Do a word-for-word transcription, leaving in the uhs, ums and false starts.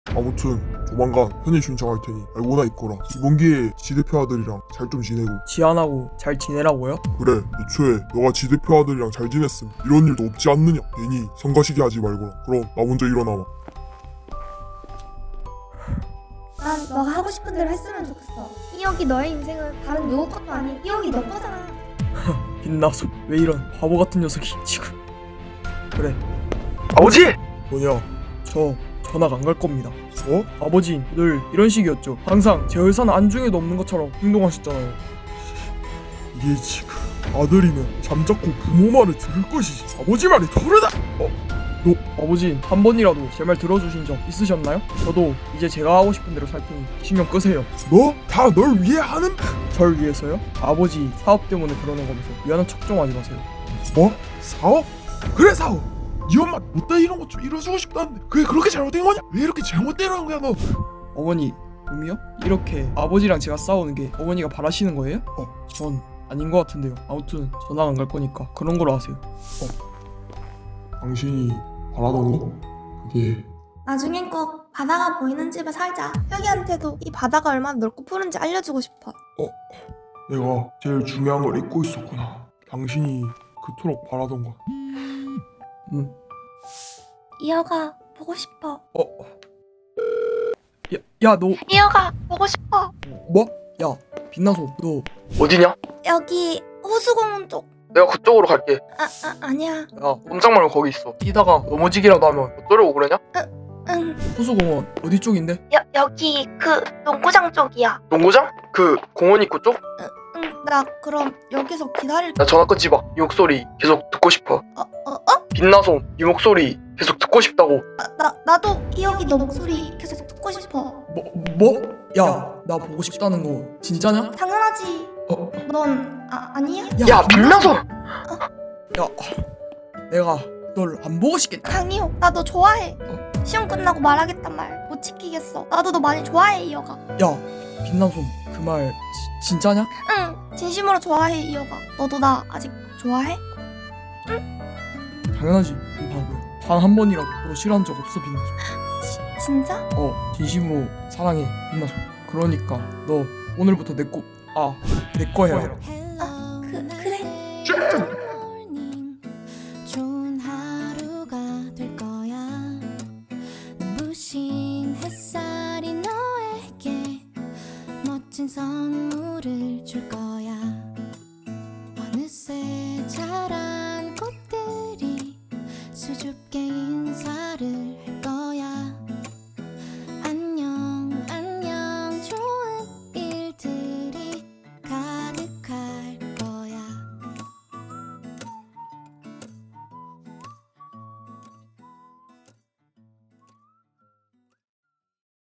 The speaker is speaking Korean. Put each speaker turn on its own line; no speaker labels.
아무튼 조만간 편입 신청할 테니 알고나 있거라. 이번 기회에 지대표 아들이랑 잘 좀 지내고.
지안하고 잘 지내라고요?
그래, 애초에 너가 지대표 아들이랑 잘 지냈음 이런 일도 없지 않느냐. 괜히 성가시게 하지 말거라. 그럼 나 먼저 일어나마.
난 너가 하고 싶은 대로 했으면 좋겠어. 이혁이 너의 인생은 다른 누구 것도 아닌 이혁이 너 거잖아.
빛나서 왜 이런 바보 같은 녀석이 지금. 그래,
아버지!
뭐냐?
저 전학 안 갈 겁니다.
어?
아버지 늘 이런 식이었죠. 항상 제 의사는 안중에도 없는 것처럼 행동하셨잖아요.
이게 지금 아들이면 잠자코 부모 말을 들을 것이지 아버지 말이 다르다.
아버지 한 번이라도 제 말 들어주신 적 있으셨나요? 저도 이제 제가 하고 싶은 대로 살 테니 신경 끄세요.
뭐? 다 널 위해 하는?
절 위해서요? 아버지 사업 때문에 그러는 거면서 미안한 척 좀 하지 마세요.
뭐? 사업? 그래 사업. 네 엄마 못다 이런 거 좀 이뤄주고 싶다는데 그게 그렇게 잘못된 거냐? 왜 이렇게 잘못되는 거야 너?
어머니 음이요? 이렇게 아버지랑 제가 싸우는 게 어머니가 바라시는 거예요? 어, 전 아닌 것 같은데요. 아무튼 전학 안 갈 거니까 그런 걸로 하세요.
당신이 바라던 거? 그게
나중엔 꼭 바다가 보이는 집에 살자. 혁이한테도 이 바다가 얼마나 넓고 푸른지 알려주고 싶어.
내가 제일 중요한 걸 잊고 있었구나. 당신이 그토록 바라던 거.
음.
이혁아 보고 싶어.
어. 야, 야, 너
이혁아 보고 싶어.
뭐? 야, 빛나서 너
어디냐?
여기 호수공원 쪽.
내가 그쪽으로 갈게.
아, 아 아니야.
야, 꼼짝 말고 거기 있어. 뛰다가 넘어지기라도 하면 어쩌려고 그러냐?
응.
호수공원 어디 쪽인데?
여 여기 그 농구장 쪽이야.
농구장? 그 공원 입구 쪽?
응. 나 그럼 여기서 기다릴.
나 전화 끊지 마. 이 목소리 계속 듣고 싶어.
어 어 어?
빛나솜, 이 목소리 계속 듣고 싶다고.
아, 나 나도 이혁이 너 목소리 계속 듣고 싶어.
뭐 뭐? 야, 나 보고 싶다는 거 진짜냐?
당연하지.
어,
넌 아, 아니야?
야, 빛나솜!
야, 내가 널 안 보고 싶겠다.
강희호 나 너 좋아해.
어.
시험 끝나고 말하겠단 말 못 지키겠어. 나도 너 많이 좋아해 이혁아.
야, 빛나솜 그 말 진짜냐?
응 진심으로 좋아해 이혁아. 너도 나 아직 좋아해?
당연하지, 이 바보야. 단 한 번이라도 너 싫어한 적 없어, 빛나솜.
지, 진짜?
어, 진심으로 사랑해, 빛나솜. 그러니까 너 오늘부터 내 거, 아, 내 거 해라.
아 그 그래.
좋은 하루가 될 거야. 눈부신 햇살이 너에게 멋진 선물을 줄 거야.